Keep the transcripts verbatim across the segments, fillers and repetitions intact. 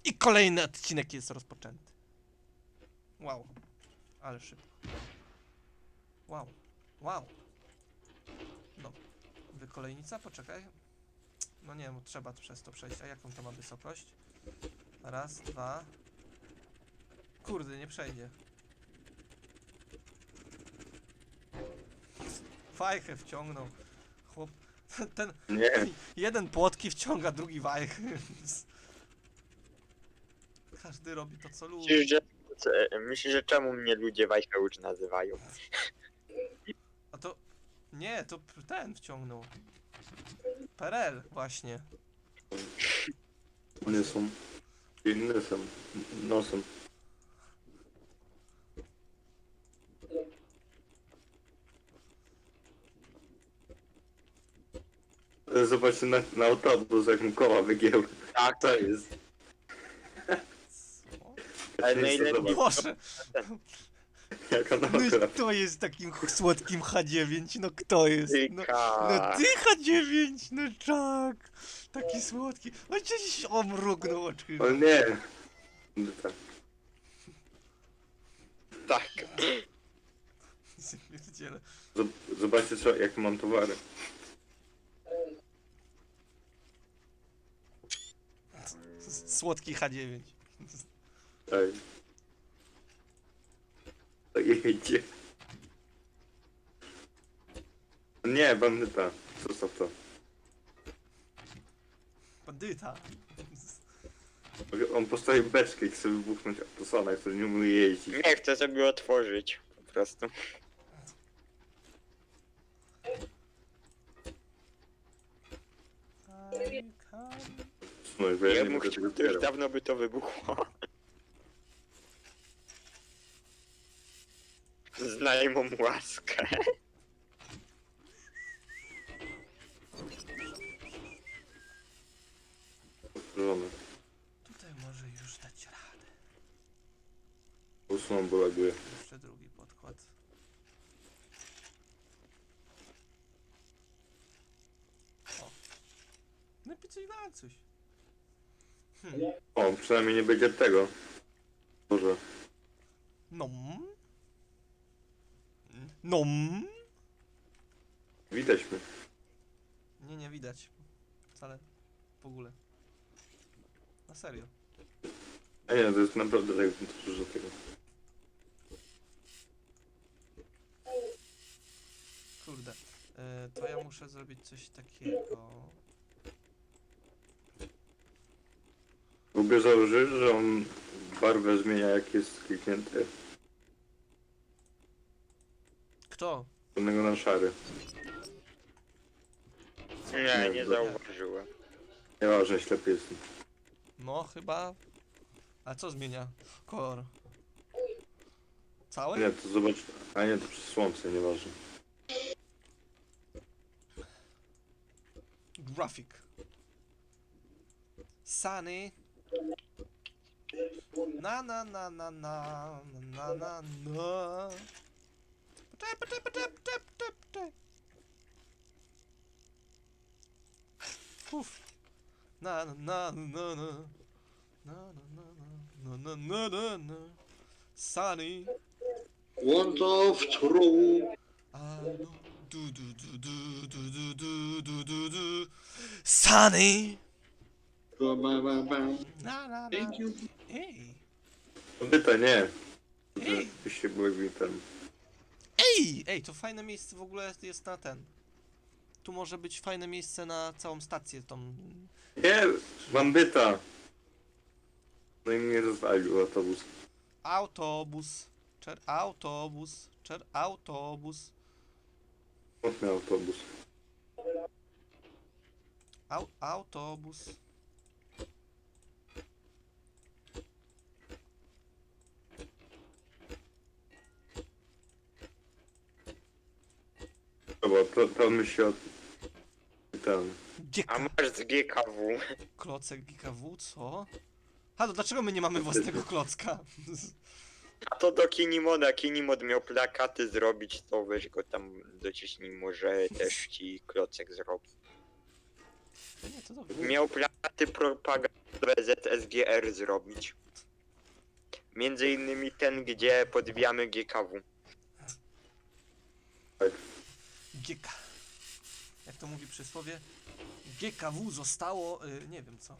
I kolejny odcinek jest rozpoczęty. Wow. Ale szybko. Wow. Wow. No. Wykolejnica? Poczekaj. No nie, bo trzeba przez to przejść. A jaką to ma wysokość? Raz, dwa. Kurde, nie przejdzie. Fajkę wciągnął. Chłop. Ten. Nie. Jeden płotki wciąga, drugi wajchy. Każdy robi to, co lubi. Myślisz, że, co- myślisz, że czemu mnie ludzie Wajcheucz nazywają? A to... Nie, to p- ten wciągnął. Perel, właśnie. Nie są. Inne są. Nosem. Zobaczcie na, na autobus, jak mu koła wygięły. Tak, To jest. Co? Ale Ja na nie ile- chcę zobaczyć, Boże! jaka No nauka. i kto jest takim ch- słodkim H dziewięć? No kto jest? No, no Tyka. ty H dziewięć! No tak! Taki słodki. O, gdzieś omrugnął oczy. O nie. Tak. Tak. Pierdziele. Zob- Zobaczcie, co, jak mam towary. S- Słodki H dziewięć. Ej. To jedzie. Nie, bandyta. Zostaw to. Bandyta. On postawił beczkę i chce wybuchnąć Autosona, który nie umie jeździć. Nie chcę sobie otworzyć. Po prostu. No, bo ja Ja nie mu mogę chciał, tego to już zbierać. dawno by to wybuchło. Znajmą łaskę. Otworzone. Tutaj może już dać radę. Usuną, bo laguje. Jeszcze drugi podkład. O. No i coś na coś. Hmm. O, przynajmniej nie będzie tego. Boże. No. No. Widać mnie. Nie, nie widać. Wcale. W ogóle. Na serio. A nie, to jest naprawdę tak dużo tego. Kurde. E, to ja muszę zrobić coś takiego. W ogóle założysz, że on barwę zmienia jak jest kliknięty. Kto? Z czarnego na szary. Nie, nie zauważyłem. Nieważne, ślepy jestem. No, chyba. A co zmienia? Kolor. Cały? Nie, to zobacz. A nie, to przez słońce, nieważne. Graphic. Sunny. Na na na na na na na na. Poczekaj, poczekaj, poczekaj, poczekaj, poczekaj, poczekaj. Uf. Na na na na na. Na na na na na na na na. Sunny. Want of true. I know. Du du du du du du du du du du. Sunny. Ba, ba, ba, ba. Na na na. Thank you. Ej. Kobieta, nie. Ej. Byście byli ten. Ej! Ej, to fajne miejsce w ogóle jest, jest na ten. Tu może być fajne miejsce na całą stację tą. Nie, bandyta. No i mnie rozwalił autobus. Autobus. Czer autobus. Czer autobus. Smutny autobus. Au autobus. Dobra, to, to my się od... Ten... Gdzie A ka- masz z G K W. klocek G K W, co? Halo, dlaczego my nie mamy własnego klocka? A to do Kinimoda. Kinimod miał plakaty zrobić, to weź go tam dociśnij, może też ci klocek zrobi. To nie, to dobrze. Miał plakaty propagandowe Z S G R zrobić. Między innymi ten, gdzie podbijamy G K W. G K. Jak to mówi przysłowie, G K W zostało, y, nie wiem co.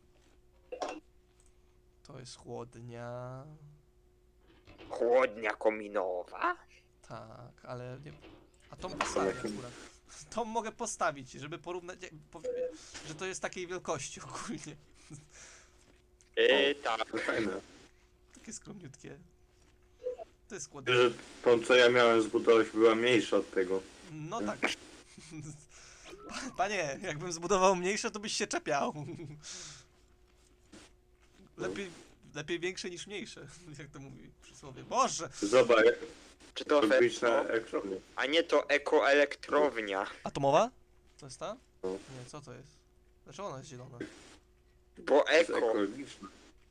To jest chłodnia. Chłodnia kominowa? Tak, ale nie. A tą postawię akurat. Tą mogę postawić, żeby porównać, jak- powie- że to jest takiej wielkości ogólnie. Yy, tak. To fajne. Takie skromniutkie. To jest Wiesz, chłodnia. że tą co ja miałem zbudować była mniejsza od tego. No tak. Panie, jakbym zbudował mniejsze, to byś się czepiał. Lepiej, lepiej większe niż mniejsze, jak to mówi przysłowie. Boże! Zobacz, jak Czy to to być na Festo? ekranie. A nie to ekoelektrownia. Atomowa? To jest ta? No. Nie, co to jest? Dlaczego ona jest zielona? Bo To jest eko. ekologiczne.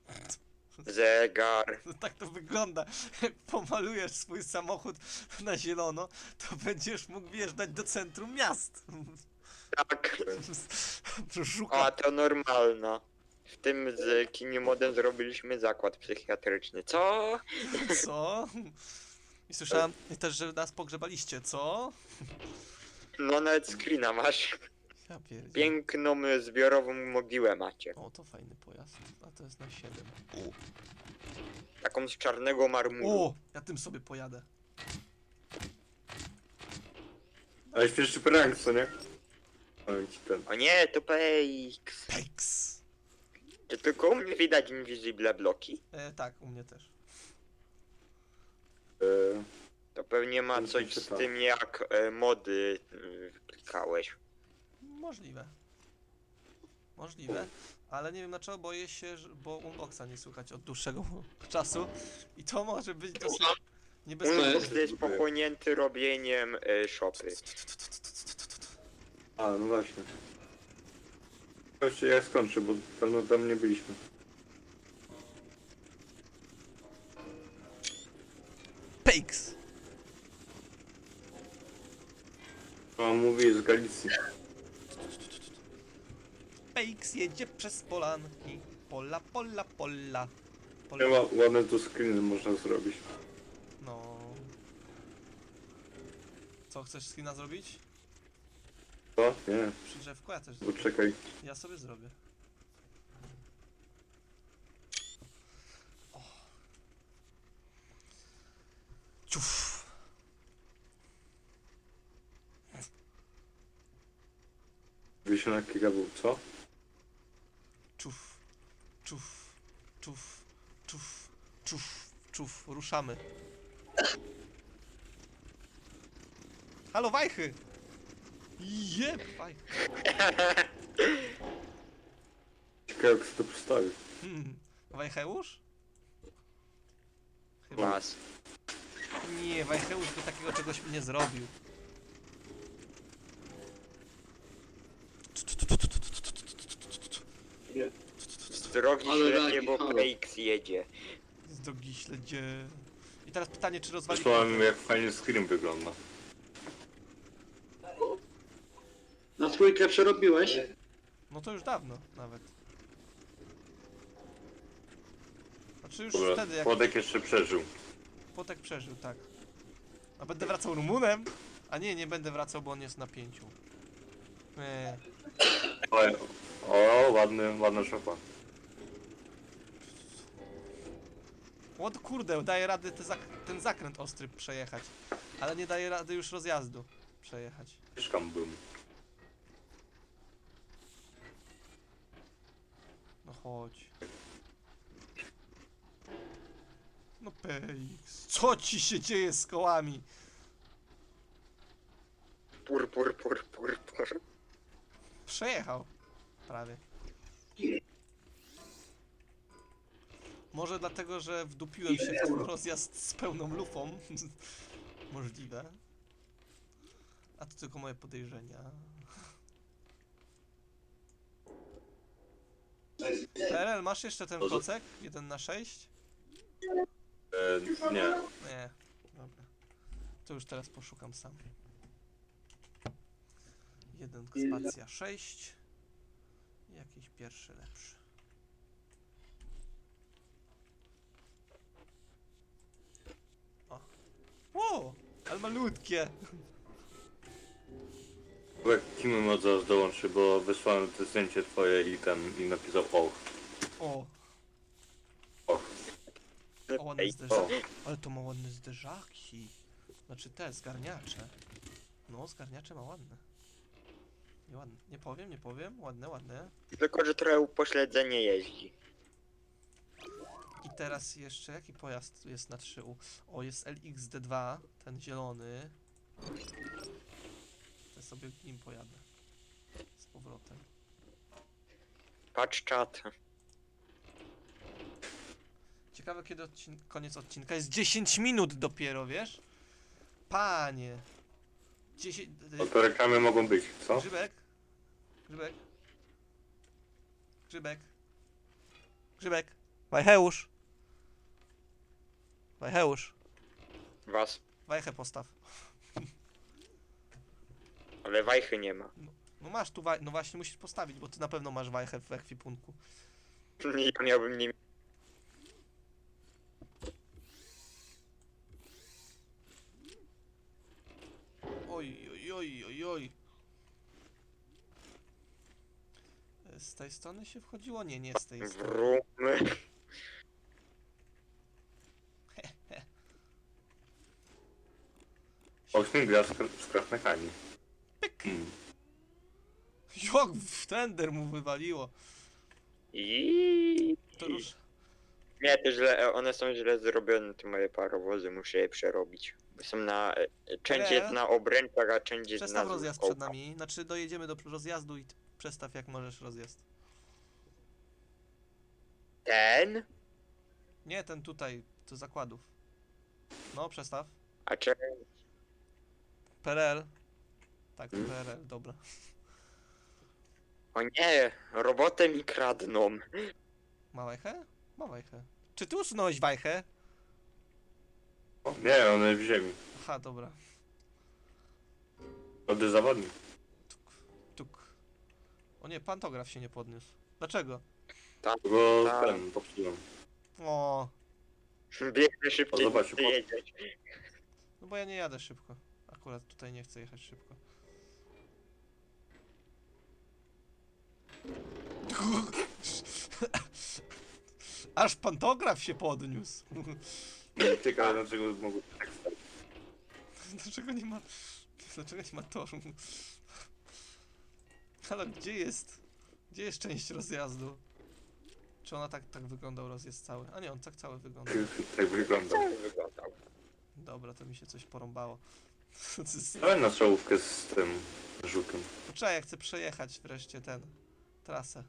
Zegar. No tak to wygląda. Jak pomalujesz swój samochód na zielono, to będziesz mógł wjeżdżać do centrum miast. Tak. A Szuka. to normalna. W tym z Kinimodem zrobiliśmy zakład psychiatryczny. Co? Co? I słyszałem też, że nas pogrzebaliście, co? No nawet screena masz. Ja pierdzie. Piękną zbiorową mogiłę macie. O, to fajny pojazd. A to jest na siedem. Taką z czarnego marmuru. O, ja tym sobie pojadę. Ale śmieszny prank, co nie? Powiem ci ten. O nie, to P X. Peks. Czy tylko u mnie widać invisible bloki? E, tak, u mnie też. E, To pewnie ma Nie coś z czytałem. tym jak e, mody y, klikałeś. Możliwe. Możliwe. Ale nie wiem dlaczego boję się, że, bo unboxa nie słychać od dłuższego czasu. I to może być dosyć niebezpieczne. Unbox jest pochłonięty robieniem y, shopy. a, no właśnie. Chodźcie, ja skończę, bo pewno tam nie byliśmy. Peks. A mówi z Galicji. Peks jedzie przez polanki. Pola, pola, pola. Nie pola. ma ładne tu screeny można zrobić. No. Co, chcesz screena zrobić? Co? Nie, Przy drzewku? Ja też bo zrobię. czekaj. Ja sobie zrobię. O. Ciuf. Wisiona kika był, co? Czuf. Czuf. Czuf. Czuf. Czuf. Czuf. Ruszamy. Halo, wajchy! Jeb, wajchy. Ciekawe jak się to postawił. Hmm. Wajcheusz? Mas. Nie, Wajcheusz by takiego czegoś nie zrobił. Z drogi Ale ślepie, lagi, bo halo. P X jedzie. Z drogi śledzie. I teraz pytanie, czy rozwali... Wysłałem jak fajnie screen wygląda. Na trójkę przerobiłeś? No to już dawno nawet. Znaczy już Dobra, wtedy, jak Władek jeszcze przeżył. Potek przeżył, tak. A będę wracał Rumunem? A nie, nie będę wracał, bo on jest na pięciu. Nie. Ale, o, ładny, ładna szopa. O kurde, daje rady te zak ten zakręt ostry przejechać. Ale nie daje rady już rozjazdu przejechać. Mieszkam bym. No chodź. No Peix. Co ci się dzieje z kołami? Pur, pur, pur, pur, pur. Przejechał. Prawie. Może dlatego, że wdupiłem się w ten rozjazd z pełną lufą. Możliwe. A to tylko moje podejrzenia. P R L, masz jeszcze ten Może- klocek? jeden na sześć? E, nie. Nie. Dobra. To już teraz poszukam sam. jeden spacja sześć. Jakiś pierwszy lepszy. O. Wow, ale malutkie. Jak Kim mod zaraz dołączy, bo wysłałem to zdjęcie twoje i ten, i napisał och, O, och. o ładne Ej, zderzaki. Ale to ma ładne zderzaki. Znaczy te, zgarniacze. No, zgarniacze ma ładne. Nie ładne. Nie powiem, nie powiem. Ładne, ładne. tylko, że trochę upośledzenie jeździ. I teraz jeszcze, jaki pojazd tu jest na trzy U? O, jest L X D dwa, ten zielony. To sobie nim pojadę. Z powrotem. Patrz czat. Ciekawe kiedy odcin koniec odcinka. Jest dziesięć minut dopiero, wiesz? Panie. dziesięć... No to reklamy mogą być, co? Grzybek? Grzybek? Grzybek? Grzybek? Wajcheusz? Wajcheusz? Was. Wajchę postaw. Ale wajchy nie ma. No masz tu waj... No właśnie musisz postawić, bo ty na pewno masz wajchę w ekwipunku. Ja miałbym nie... Oj, oj, oj, oj, oj. E, Z tej strony się wchodziło? Nie, nie z tej strony. Wrumy. Osiem gwiazd z krasnechami. Hmm. Jak w tender mu wywaliło. I... To już... Nie, to źle, one są źle zrobione, te moje parowozy, muszę je przerobić. Bo są na... Część jest Ale- na obręczach, a część jest na Przestaw rozjazd złóżkołkach. przed nami. Znaczy dojedziemy do rozjazdu i t- przestaw jak możesz rozjazd. Ten? Nie, ten tutaj, do zakładów. No, przestaw. A czy... P R L. Tak, Hmm? P R L, dobra. O nie, robotę mi kradną. Ma wajchę? Ma wajchę. Czy ty usunąłeś wajchę? O, nie, one w ziemi. Aha, dobra. Ody zawodnik. Tuk. O nie, pantograf się nie podniósł. Dlaczego? Bo Tak. ten, popsułem. O, Biegnę szybciej, O, zobacz, niż ty po- jedziesz. no bo ja nie jadę szybko. Akurat tutaj nie chcę jechać szybko. Aż pantograf się podniósł. Ciekawe dlaczego mogło tak stać. Dlaczego nie ma... Dlaczego nie ma toru? Ale gdzie jest? Gdzie jest część rozjazdu? Czy ona tak, tak wyglądał rozjazd cały? A nie, on tak cały wyglądał. Tak wygląda. Tak wyglądał. Dobra, to mi się coś porąbało. To jest- Dałem na czołówkę z tym żukiem. Poczekaj, ja chcę przejechać wreszcie ten... trasę.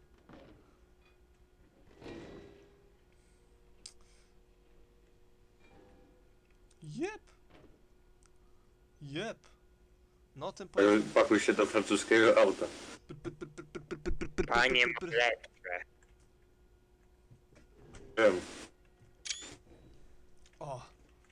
Jep. Jep. No tym Ale pakuj się do francuskiego auta. Panie Mleczcze. Wiem. O.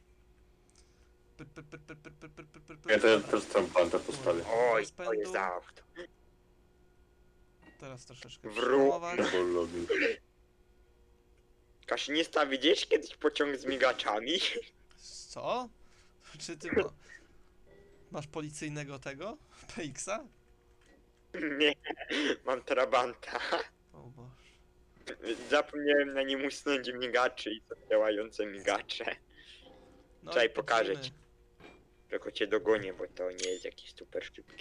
Ja teraz, teraz tam panta postawię. Oj, Bez to pędu. jest za auto. Teraz troszeczkę Wró- przyhamować. No bo logi. Kaszynista, widziałeś kiedyś pociąg z migaczami? Co? Czy ty ma... masz policyjnego tego? P X-a? Nie, mam trabanta. O Boże. Zapomniałem na nim usunąć migaczy i to działające migacze. No Czekaj, i pokażę pędzimy. ci. Tylko cię dogonię, bo to nie jest jakiś super szybki.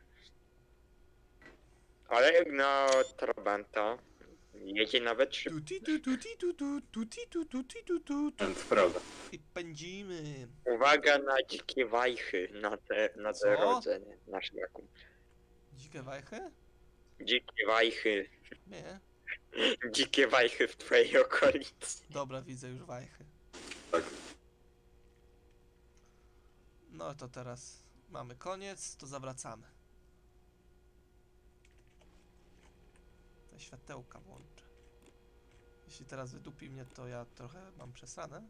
Ale jak na trabanta jedzie nawet szybko. Tuti, tu, tuti, tu, tu, tuti, tu, tuti, tu, tu, tu. To prawda. I pędzimy. Uwaga na dzikie wajchy na te, na Co? te rodzenie na szlaku. Dzikie wajchy? Dzikie wajchy, Nie. dzikie wajchy w twojej okolicy. Dobra, widzę już wajchy. Tak. No to teraz mamy koniec, to zawracamy. Te światełka włączę. Jeśli teraz wydupi mnie, to ja trochę mam przesrane.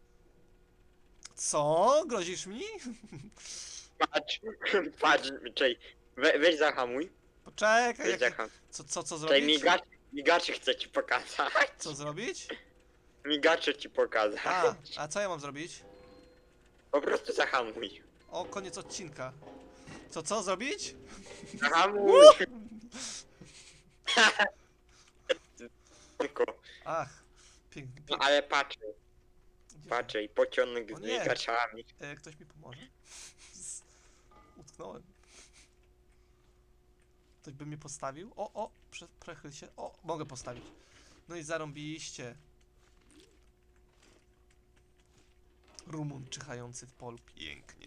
Co? Grozisz mi? Patrz, patrz, czekaj, we, weź zahamuj. Poczekaj, Cześć, jak... Zachan. co, co, co Tutaj zrobić? migaczy, migaczy chcę ci pokazać. Co zrobić? Migacze ci pokazać. A, a co ja mam zrobić? Po prostu zahamuj. O, koniec odcinka. Co, co zrobić? Zahamuj! Tylko. Ach, pięknie. No Pięknie. ale patrz, Gdzie patrz, i pociąg O z nie. migaczami. się- E, ktoś mi pomoże? Z- Utknąłem. Ktoś by mnie postawił? O, o, prze, przechyl się. O, mogę postawić. No i zarąbiście. Rumun czyhający w polu. Pięknie.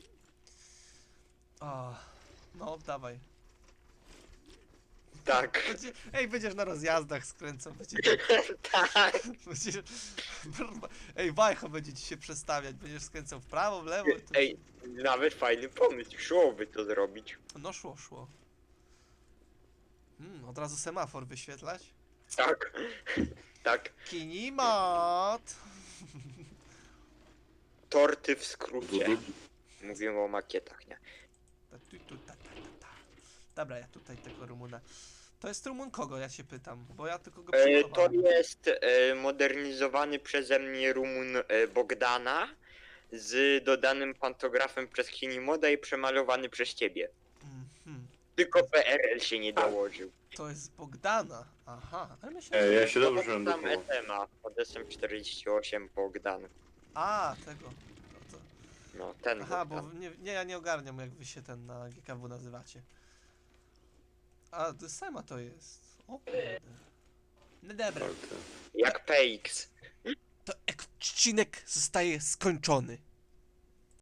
O, no, dawaj. Tak. Będzie, ej, będziesz na rozjazdach skręcał. Będzie, Tak. będziesz, ej, wajcho będzie ci się przestawiać. Będziesz skręcał w prawo, w lewo. i to- Ej, nawet fajny pomysł. Szłoby to zrobić. No szło, szło. Mm, od razu semafor wyświetlać. Tak. Tak. Kinimat! Torty w skrócie. Dudu. Mówimy o makietach, nie? Ta, tu, tu, ta, ta, ta, ta. Dobra, ja tutaj tego Rumuna. To jest Rumun kogo, ja się pytam, bo ja tylko go E, to przymalowałem. jest e, modernizowany przeze mnie Rumun e, Bogdana z dodanym pantografem przez Kinimoda i przemalowany przez ciebie. Mhm. Tylko P R L się nie dołożył. To jest Bogdana. Aha, ale myślę, Ej, że... ja się dobrze Tam naduchował. S M A, pod S M czterdzieści osiem Bogdan. A, tego. No to... No, ten Aha, bo Bogdan. nie, nie, ja nie ogarniam, jak wy się ten na G K W nazywacie. A, to Sema to jest. O kurde. No dobra. Tak, tak. Jak P X. To odcinek zostaje skończony.